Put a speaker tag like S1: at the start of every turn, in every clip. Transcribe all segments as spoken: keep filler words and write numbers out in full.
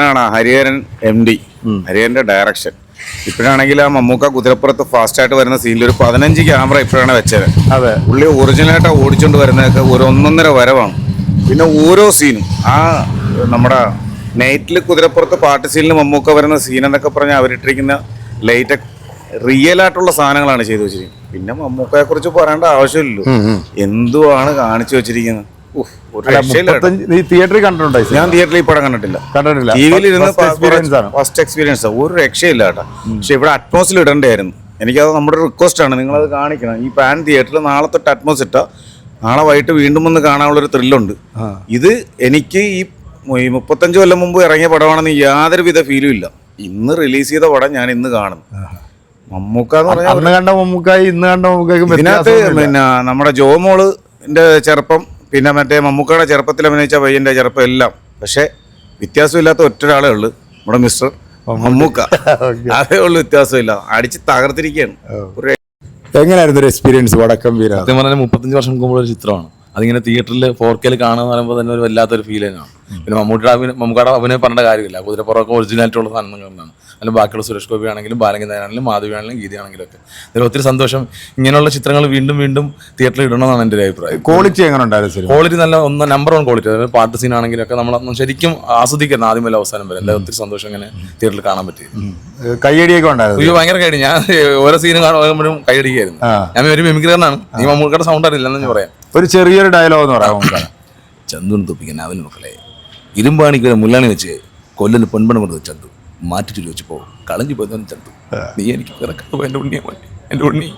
S1: നടനാണ് Hariharan M D. ഹരിഹരന്റെ direction. ഇപ്പോഴാണെങ്കിൽ ആ മമ്മൂക്ക കുതിരപ്പുറത്ത് ഫാസ്റ്റ് ആയിട്ട് വരുന്ന സീനിൽ ഒരു പതിനഞ്ച് ക്യാമറ ഇപ്പോഴാണ് വെച്ചത്.
S2: അതെ,
S1: പുള്ളി ഒറിജിനലായിട്ട് ഓടിച്ചുകൊണ്ട് വരുന്നതൊക്കെ ഒരു ഒന്നൊന്നര വരവാണ്. പിന്നെ ഓരോ സീനും ആ നമ്മുടെ നൈറ്റിൽ കുതിരപ്പുറത്ത് പാട്ട് സീനിൽ മമ്മൂക്ക വരുന്ന സീൻ എന്നൊക്കെ പറഞ്ഞാൽ അവരിട്ടിരിക്കുന്ന ലൈറ്റ് റിയൽ ആയിട്ടുള്ള സാധനങ്ങളാണ് ചെയ്തു വെച്ചിരിക്കുന്നത്. പിന്നെ മമ്മൂക്കയെ കുറിച്ച് പറയേണ്ട ആവശ്യമില്ലല്ലോ, എന്തുവാണ് കാണിച്ചു വെച്ചിരിക്കുന്നത്.
S2: തിയേറ്ററിൽ കണ്ടിട്ടുണ്ടോ?
S1: ഞാൻ തിയേറ്ററിൽ ഈ പടം കണ്ടിട്ടില്ല,
S2: കണ്ടിട്ടില്ല.
S1: ടി വിയിൽ ഇരുന്ന് ഫസ്റ്റ് എക്സ്പീരിയൻസ്. ഒരു രക്ഷയില്ല കേട്ടോ. പക്ഷെ ഇവിടെ അറ്റ്മോസിൽ ഇടണ്ടായിരുന്നു. എനിക്കത് നമ്മുടെ റിക്വസ്റ്റ് ആണ്, നിങ്ങളത് കാണിക്കണം. ഈ പാൻ തിയേറ്ററിൽ നാളെ തൊട്ട് അറ്റ്മോസ് ഇട്ടാൽ നാളെ വൈകിട്ട് വീണ്ടും ഒന്ന് കാണാനുള്ളൊരു ത്രില്ലുണ്ട്. ഇത് എനിക്ക് ഈ മുപ്പത്തഞ്ച് കൊല്ലം മുമ്പ് ഇറങ്ങിയ പടമാണെന്ന് യാതൊരുവിധ ഫീലും ഇല്ല. ഇന്ന് റിലീസ് ചെയ്ത പടം ഞാൻ ഇന്ന് കാണും. മമ്മൂക്ക എന്ന് പറഞ്ഞാൽ
S2: കണ്ട മമ്മൂക്കായി ഇന്ന് കണ്ട മമ്മൂക്കായി
S1: ഇതിനകത്ത് പിന്നെ നമ്മുടെ ജോമോളിന്റെ ചെറുപ്പം, പിന്നെ മറ്റേ മമ്മൂക്കയുടെ ചെറുപ്പത്തിൽ അഭിനയിച്ച പയ്യന്റെ ചെറുപ്പം എല്ലാം, പക്ഷെ വ്യത്യാസമില്ലാത്ത ഒറ്റ ഒരാളേ ഉള്ളു, നമ്മുടെ മിസ്റ്റർ മമ്മൂക്ക. അതേ ഉള്ളു വ്യത്യാസമില്ല. അടിച്ച് തകർത്തിരിക്കുകയാണ്.
S2: എങ്ങനെയായിരുന്നു ഒരു എക്സ്പീരിയൻസ് വടക്കം വീര?
S3: സത്യം പറഞ്ഞാൽ മുപ്പത്തഞ്ച് വർഷം മുമ്പുള്ള ഒരു ചിത്രമാണ്. അതിങ്ങനെ തിയേറ്ററിൽ ഫോർ കെയിൽ കാണുക പറയുമ്പോൾ തന്നെ ഒരു വല്ലാത്തൊരു ഫീൽ തന്നെയാണ്. പിന്നെ മമ്മൂട്ടിയുടെ അഭിനയം, മമ്മൂക്കയുടെ അഭിനയം പറഞ്ഞ കാര്യമില്ല. കുതിരപ്പുറമൊക്കെ ഒറിജിനാലിറ്റി ഉള്ള സാധനങ്ങളാണ്. അല്ലെങ്കിൽ ബാക്കിയുള്ള സുരേഷ് ഗോപി ആണെങ്കിലും ബാലങ്കി നായരാണെങ്കിലും മാധവി ആണെങ്കിലും ഗീത ആണെങ്കിലും ഒക്കെ. അതിൽ ഒത്തിരി സന്തോഷം. ഇങ്ങനെയുള്ള ചിത്രങ്ങൾ വീണ്ടും വീണ്ടും തിയേറ്ററിൽ ഇടണമെന്നാണ് എൻ്റെ ഒരു അഭിപ്രായം.
S2: ക്വാളിറ്റി എങ്ങനെ ഉണ്ടായിരുന്നു?
S3: ക്വാളിറ്റി നല്ല ഒന്ന് നമ്പർ വൺ ക്വാളിറ്റി. അതായത് പാട്ട് സീൻ ആണെങ്കിലും ഒക്കെ നമ്മൾ ശരിക്കും ആസ്വദിക്കണം ആദ്യം വല്ല അവസാനം വരെ. എന്താ ഒത്തിരി സന്തോഷം ഇങ്ങനെ തിയേറ്ററിൽ കാണാൻ പറ്റി.
S2: കയ്യടിയൊക്കെ ഉണ്ടായിരുന്നു?
S3: അയ്യോ ഭയങ്കര കൈയടി. ഞാൻ ഓരോ സീനും കാണുമ്പോഴും കൈയടിക്കായിരുന്നു. ഞാൻ ഒരു മിമിക്രിക്കാരനാണ്. ഈ മമ്മൂക്കയുടെ സൗണ്ട് അറിയില്ലെന്ന് ഞാൻ പറയാം.
S2: ഒരു ചെറിയൊരു ഡയലോഗ് എന്ന് പറയാം.
S3: ചന്തുവിന് തൊപ്പിക്കാൻ അവന് മക്കളെ ഇരുമ്പാണിക്ക് മുല്ലാണി വെച്ച് കൊല്ലന് പൊൻപണം കൊടുത്ത് ചന്തു മാറ്റിട്ട് ചോദിച്ചപ്പോ കളഞ്ഞു പോയതാണ് ചന്തു. നീ എനിക്ക് പിറക്കാതെ എന്റെ ഉണ്ണിയെ എന്റെ ഉണ്ണി.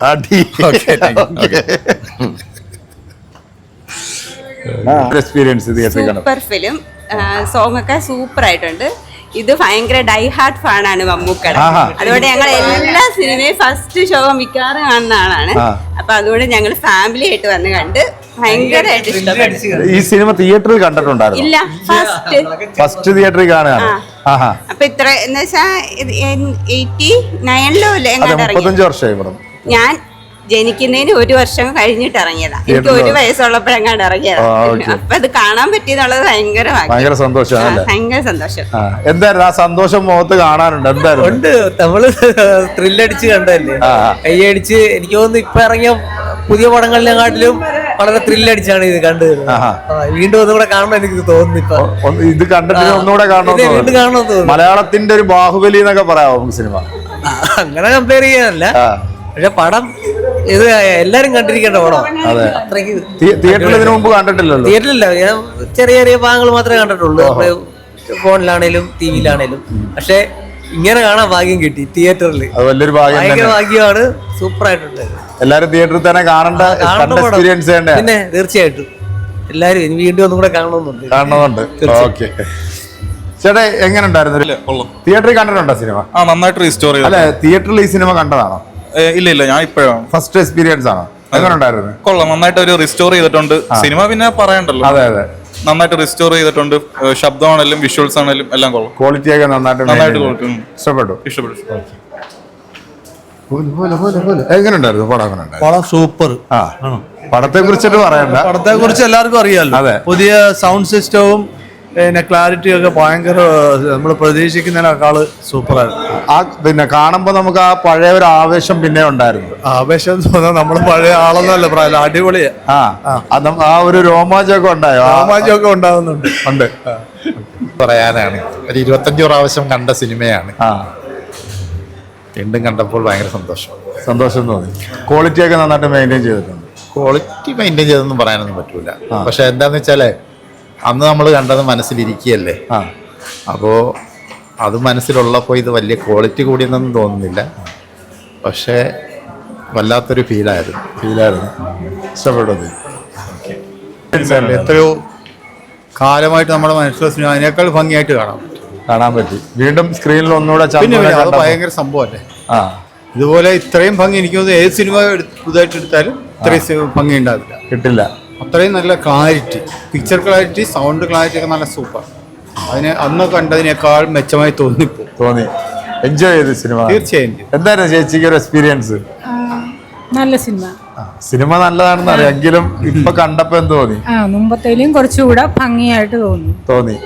S4: Super film. സോങ് ഒക്കെ സൂപ്പർ ആയിട്ടുണ്ട്. ഇത് ഭയങ്കര ഡൈ ഹാർട്ട് ഫാനാണ് മമ്മൂക്കയുടെ. അതുകൊണ്ട് ഞങ്ങൾ എല്ലാ സിനിമയും ഫസ്റ്റ് ഷോ മിക്കവാറും കാണുന്ന ആളാണ്. അപ്പൊ അതുകൊണ്ട് ഞങ്ങൾ ഫാമിലി ആയിട്ട് വന്ന് കണ്ട് ഭയങ്കരമായിട്ട് ഇഷ്ടപ്പെട്ടു.
S2: ഈ സിനിമ തിയേറ്ററിൽ കണ്ടിട്ടുണ്ടായിരുന്നു?
S4: ഇല്ല, ഫസ്റ്റ്
S2: ഫസ്റ്റ് തിയേറ്ററിൽ കാണുകയാണ്.
S4: അപ്പൊ ഇത്ര എന്ന് വെച്ചാ എയ്റ്റി നയനിലോ അല്ലേ
S2: മുപ്പത്തഞ്ച് വർഷമായി ഇവിടെ.
S4: ഞാൻ ജനിക്കുന്നതിന് ഒരു വർഷം കഴിഞ്ഞിട്ട് ഇറങ്ങിയതാ. എനിക്ക് ഒരു വയസ്സുള്ളപ്പോഴെങ്ങാണ്ട് ഇറങ്ങിയതാ. അപ്പൊ അത് കാണാൻ പറ്റിയെന്നുള്ളത് ഭയങ്കര
S2: ഭയങ്കര സന്തോഷം.
S4: ഭയങ്കര സന്തോഷം.
S2: എന്തായിരുന്നു ആ സന്തോഷം മുഖത്ത് കാണാനുണ്ട്? എന്തായിരുന്നു?
S5: ഉണ്ട്. നമ്മള് ത്രില്ലടിച്ച് കണ്ടല്ലേ, കൈയടിച്ച്. എനിക്ക് തോന്നുന്നു ഇപ്പൊ ഇറങ്ങിയ പുതിയ പടങ്ങളിലെക്കാട്ടിലും വളരെ ത്രില്ലടിച്ചാണ് ഇത് കണ്ടത്. വീണ്ടും ഒന്നുകൂടെ കാണണം എനിക്ക് തോന്നുന്നു. ഇപ്പൊ
S2: ഇത് കണ്ടിട്ട് ഒന്നുകൂടെ കാണണം
S5: വീണ്ടും കാണണം തോന്നുന്നു.
S2: മലയാളത്തിന്റെ ഒരു ബാഹുബലി എന്നൊക്കെ പറയാമോ സിനിമ?
S5: അങ്ങനെ കമ്പയർ ചെയ്യാനല്ല, പക്ഷെ പടം ഇത് എല്ലാരും കണ്ടിരിക്കേണ്ട പടം. അത്രയ്ക്ക്
S2: തിയേറ്ററിൽ ഇതിനു മുമ്പ് കണ്ടിട്ടില്ലല്ലോ?
S5: തിയേറ്ററിലില്ല, ഞാൻ ചെറിയ ചെറിയ ഭാഗങ്ങൾ മാത്രമേ കണ്ടിട്ടുള്ളൂ, ഫോണിലാണേലും ടി വിയിലാണേലും. പക്ഷെ ഇങ്ങനെ കാണാൻ ഭാഗ്യം കിട്ടി തിയേറ്ററിൽ.
S2: വലിയൊരു ഭാഗ്യം,
S5: ഭയങ്കര ഭാഗ്യമാണ്. സൂപ്പർ ആയിട്ടുണ്ട്.
S2: എല്ലാരും തിയേറ്ററിൽ തന്നെ കാണേണ്ട എക്സ്പീരിയൻസ്.
S5: പിന്നെ തീർച്ചയായിട്ടും എല്ലാരും വീണ്ടും ഒന്നും കൂടെ കാണണമെന്നുണ്ട്
S2: കാണണമെന്നുണ്ട് ഓക്കെ. ചേട്ടാ എങ്ങനെ ഉണ്ടായിരുന്നു? തിയേറ്ററിൽ കണ്ടിട്ടുണ്ടോ സിനിമ?
S6: ആ, നന്നായിട്ട് റീസ്റ്റോർ ചെയ്തു.
S2: അല്ലെ, തിയേറ്ററിൽ ഈ സിനിമ കണ്ടതാണോ?
S6: ഇല്ല ഇല്ല, ഞാൻ ഇപ്പോഴാണ്
S2: ഫസ്റ്റ് എക്സ്പീരിയൻസ് ആണോ? എങ്ങനെ ഉണ്ടായിരുന്നു?
S6: കൊള്ളാം, നന്നായിട്ട് ഒരു റിസ്റ്റോർ ചെയ്തിട്ടുണ്ട് സിനിമ. പിന്നെ പറയണ്ടല്ലോ,
S2: അതെ അതെ,
S6: നന്നായിട്ട് റിസ്റ്റോർ ചെയ്തിട്ടുണ്ട്. ശബ്ദമാണെങ്കിലും വിഷ്വൽസ് ആണെങ്കിലും എല്ലാം കൊള്ളാം.
S2: ക്വാളിറ്റി ഒക്കെ നന്നായിട്ട്
S6: നന്നായിട്ട് ക്വാളിറ്റി
S2: ഇഷ്ടപ്പെട്ടു
S6: ഇഷ്ടപ്പെട്ടു
S2: എങ്ങനെ ഉണ്ടായിരുന്നു പടം? എങ്ങനെ ഉണ്ടായിരുന്നു?
S7: പടം സൂപ്പർ.
S2: ആ, പടത്തെ കുറിച്ചിട്ട് പറയണ്ട,
S7: പടത്തെ കുറിച്ച് എല്ലാവർക്കും അറിയാലോ.
S2: അതെ,
S7: പുതിയ സൗണ്ട് സിസ്റ്റവും പിന്നെ ക്ലാരിറ്റി ഒക്കെ ഭയങ്കര നമ്മൾ പ്രതീക്ഷിക്കുന്നതിനേക്കാള് സൂപ്പറായിരുന്നു.
S2: ആ പിന്നെ കാണുമ്പോ നമുക്ക് ആ പഴയ ഒരു ആവേശം പിന്നെ ഉണ്ടായിരുന്നു.
S7: ആവേശം തോന്നാൻ നമ്മള് പഴയ ആളൊന്നുമല്ല, പ്രായം അടിപൊളിയാ.
S2: ആ, ആ ഒരു രോമാഞ്ചമൊക്കെ ഉണ്ടായോ?
S7: രോമാഞ്ചമൊക്കെ ഉണ്ടാകുന്നുണ്ട്.
S2: ഉണ്ട്.
S8: പറയാനാണ് ഒരു ഇരുപത്തഞ്ചു പ്രാവശ്യം കണ്ട സിനിമയാണ്.
S2: ആ,
S8: വീണ്ടും കണ്ടപ്പോൾ ഭയങ്കര സന്തോഷം
S2: സന്തോഷം തോന്നി. ക്വാളിറ്റി ഒക്കെ നന്നായിട്ട് മെയിൻറ്റെയിൻ ചെയ്തിട്ടുണ്ട്.
S8: ക്വാളിറ്റി മെയിൻറ്റെയിൻ ചെയ്തൊന്നും പറയാനൊന്നും പറ്റൂല. പക്ഷെ എന്താന്ന് വെച്ചാല് അന്ന് നമ്മൾ കണ്ടത് മനസ്സിലിരിക്കുകയല്ലേ.
S2: ആ,
S8: അപ്പോൾ അത് മനസ്സിലുള്ളപ്പോൾ ഇത് വലിയ ക്വാളിറ്റി കൂടിയെന്നൊന്നും തോന്നുന്നില്ല. പക്ഷേ വല്ലാത്തൊരു ഫീലായിരുന്നു
S2: ഫീലായിരുന്നു ഇഷ്ടപ്പെട്ടത്.
S9: എത്രയോ കാലമായിട്ട് നമ്മുടെ മനസ്സിലെ സിനിമ അതിനേക്കാൾ ഭംഗിയായിട്ട് കാണാം
S2: കാണാൻ പറ്റി. വീണ്ടും സ്ക്രീനിൽ ഒന്നുകൂടെ
S9: അത് ഭയങ്കര സംഭവമല്ലേ.
S2: ആ,
S9: ഇതുപോലെ ഇത്രയും ഭംഗി എനിക്ക് തോന്നുന്നു ഏത് സിനിമ പുതുതായിട്ട് എടുത്താലും ഇത്രയും ഭംഗി ഉണ്ടാവില്ല,
S2: കിട്ടില്ല.
S9: അത്രയും നല്ല clarity, picture clarity, sound clarity ഒക്കെ നല്ല സൂപ്പർ. അതിന് അന്ന് കണ്ടതിനേക്കാൾ മെച്ചമായി തോന്നിപ്പോ
S2: തോന്നി. എൻജോയ് ചെയ്തു സിനിമ?
S9: തീർച്ചയായും.
S2: എന്തായിരുന്നു ചേച്ചിക്ക് ഒരു എക്സ്പീരിയൻസ്?
S10: നല്ല സിനിമ.
S2: സിനിമ നല്ലതാണെന്ന് അറിയാം, എങ്കിലും ഇപ്പൊ കണ്ടപ്പോ എന്ത് തോന്നി?
S10: ആ, മുമ്പത്തേലും കുറച്ചുകൂടെ ഭംഗിയായിട്ട് തോന്നി
S2: തോന്നി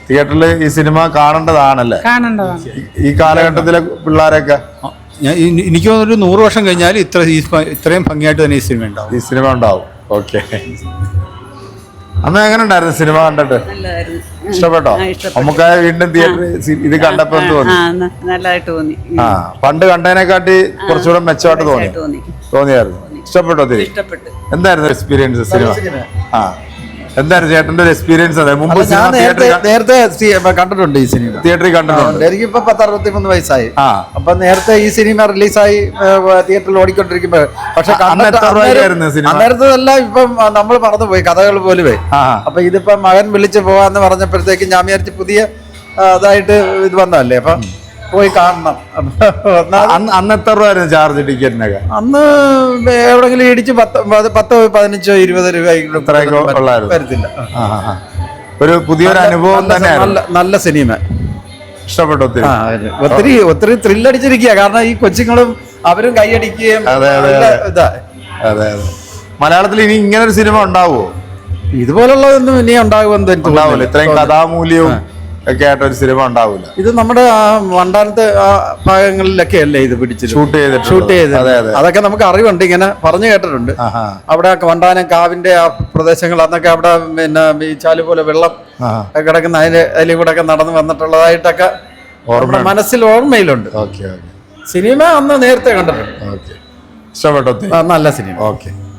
S2: തിയേറ്ററിൽ ഈ സിനിമ കാണേണ്ടതാണല്ലേ
S10: കാണേണ്ടതാണ്.
S2: ഈ- ഈ കാലഘട്ടത്തിലെ പിള്ളേരൊക്കെ
S9: ഞാൻ ഇനി- എനിക്ക് തോന്നുന്നു ഒരു നൂറ് വർഷം കഴിഞ്ഞാൽ ഇത്ര ഈ സ്പ- ഇത്രയും ഭംഗിയായിട്ട് തന്നെ ഈ സിനിമ ഉണ്ടാവും.
S2: ഈ സിനിമ ഉണ്ടാവും. ഓക്കെ. അന്ന് എങ്ങനെ ഉണ്ടായിരുന്നു സിനിമ കണ്ടിട്ട്? ഇഷ്ടപ്പെട്ടോ? നമുക്ക് വീണ്ടും തിയേറ്ററിൽ ഇത് കണ്ടപ്പോ എന്ത് തോന്നി?
S4: നല്ലതായിട്ട് തോന്നി.
S2: ആ പണ്ട് കണ്ടതിനെക്കാട്ടി കുറച്ചുകൂടെ മെച്ചമായിട്ട് തോന്നി തോന്നിയായിരുന്നു. ഇഷ്ടപ്പെട്ടോ തിരി? എന്തായിരുന്നു എക്സ്പീരിയൻസ് സിനിമ? ആ എന്തായിരുന്നു ചേട്ടന്റെ ഒരു എക്സ്പീരിയൻസ്? അതെ മുമ്പ്
S7: ഞാൻ നേരത്തെ
S2: തിയേറ്ററിൽ
S7: നേരത്തെ സി- കണ്ടിട്ടുണ്ട് ഈ സിനിമ.
S2: തിയേറ്ററിൽ കണ്ടിട്ടുണ്ട്.
S7: എനിക്കിപ്പോ പത്ത് അറുപത്തി മൂന്ന് വയസ്സായി.
S2: ആ
S7: അപ്പൊ നേരത്തെ ഈ സിനിമ റിലീസായി തിയേറ്ററിൽ ഓടിക്കൊണ്ടിരിക്കുമ്പോ പക്ഷെ
S2: അന്ന് എത്ര രൂപയ്ക്കായിരുന്നു സിനിമ?
S7: അന്നേരത്തതെല്ലാം ഇപ്പം നമ്മൾ മറന്നുപോയി കഥകൾ പോലുമേ.
S2: ആ
S7: അപ്പൊ ഇതിപ്പോ മകൻ വിളിച്ച് പോവാന്ന് പറഞ്ഞപ്പോഴത്തേക്ക് ഞാൻ വിചാരിച്ച് പുതിയ ആ, ഇതായിട്ട് ഇത് വന്നതല്ലേ അപ്പൊ പോയി കാണണം. അപ്പൊ ഒന്നാമത്
S2: അന്ന് അന്ന് എത്ര രൂപ ആയിരുന്നു ചാർജ് ടിക്കറ്റിനൊക്കെ?
S7: അന്ന് എവിടെങ്കിലും ഇടിച്ച് പത്ത് പത് പത്തോ പതിനഞ്ചോ ഇരുപത് രൂപ
S2: ഇത്രയൊക്കെ ഉള്ളായിരുന്നു.
S7: വരത്തില്ല.
S2: ആ, ആ, ആ. ഒരു പുതിയൊരു അനുഭവം
S7: നല്ല-
S2: തന്നെയായിരുന്നു.
S7: നല്ല നല്ല സിനിമ.
S2: ഇഷ്ടപ്പെട്ടു ഒത്തിരി.
S7: ആ, അതെ. ഒത്തിരി ഒത്തിരി ത്രില്ലടിച്ചിരിക്കുക. കാരണം ഈ കൊച്ചുങ്ങളും അവരും കൈയടിക്കുകയും
S2: അതെ, അതെ,
S7: നല്ല
S2: അതെ.
S7: ഇതാ.
S2: അതെ അതെ. മലയാളത്തിൽ ഇനി ഇങ്ങനെ ഒരു സിനിമ ഉണ്ടാവുമോ?
S7: ഇതുപോലുള്ളതൊന്നും ഇനി ഉണ്ടാകുമെന്ന് എനിക്ക്
S2: ഉണ്ടാവില്ല.
S7: തോന്നുന്നില്ല.
S2: ഇത്രയും കഥാമൂല്യവും ഒക്കെ ആയിട്ട് ഒരു സിനിമ ഉണ്ടാവില്ല.
S7: ഇത് നമ്മുടെ ആ വണ്ടാനത്തെ ആ ഭാഗങ്ങളിലൊക്കെ അല്ലേ ഇത് പിടിച്ചത്
S2: ഷൂട്ട് ചെയ്തിട്ട്
S7: ഷൂട്ട് ചെയ്ത്
S2: അതെ അതെ.
S7: അതൊക്കെ നമുക്ക് അറിവുണ്ട്, ഇങ്ങനെ പറഞ്ഞു കേട്ടിട്ടുണ്ട്.
S2: ആഹാ.
S7: അവിടെ വണ്ടാനം കാവിന്റെ ആ പ്രദേശങ്ങൾ അന്നൊക്കെ അവിടെ പിന്നെ ഈ ചാല് പോലെ വെള്ളം
S2: ആ.
S7: കിടക്കുന്ന അതിന്റെ അതിൽ കൂടെ ഒക്കെ നടന്നു വന്നിട്ടുള്ളതായിട്ടൊക്കെ നമ്മുടെ മനസ്സിൽ ഓർമ്മയിലുണ്ട്.
S2: ഓക്കെ ഓക്കെ
S7: സിനിമ അന്ന് നേരത്തെ കണ്ടിട്ടുണ്ട്.
S2: ഓക്കെ. ഇഷ്ടപ്പെട്ടോ ഒത്തിരി?
S7: ആ, നല്ല സിനിമ.
S2: ഓക്കെ.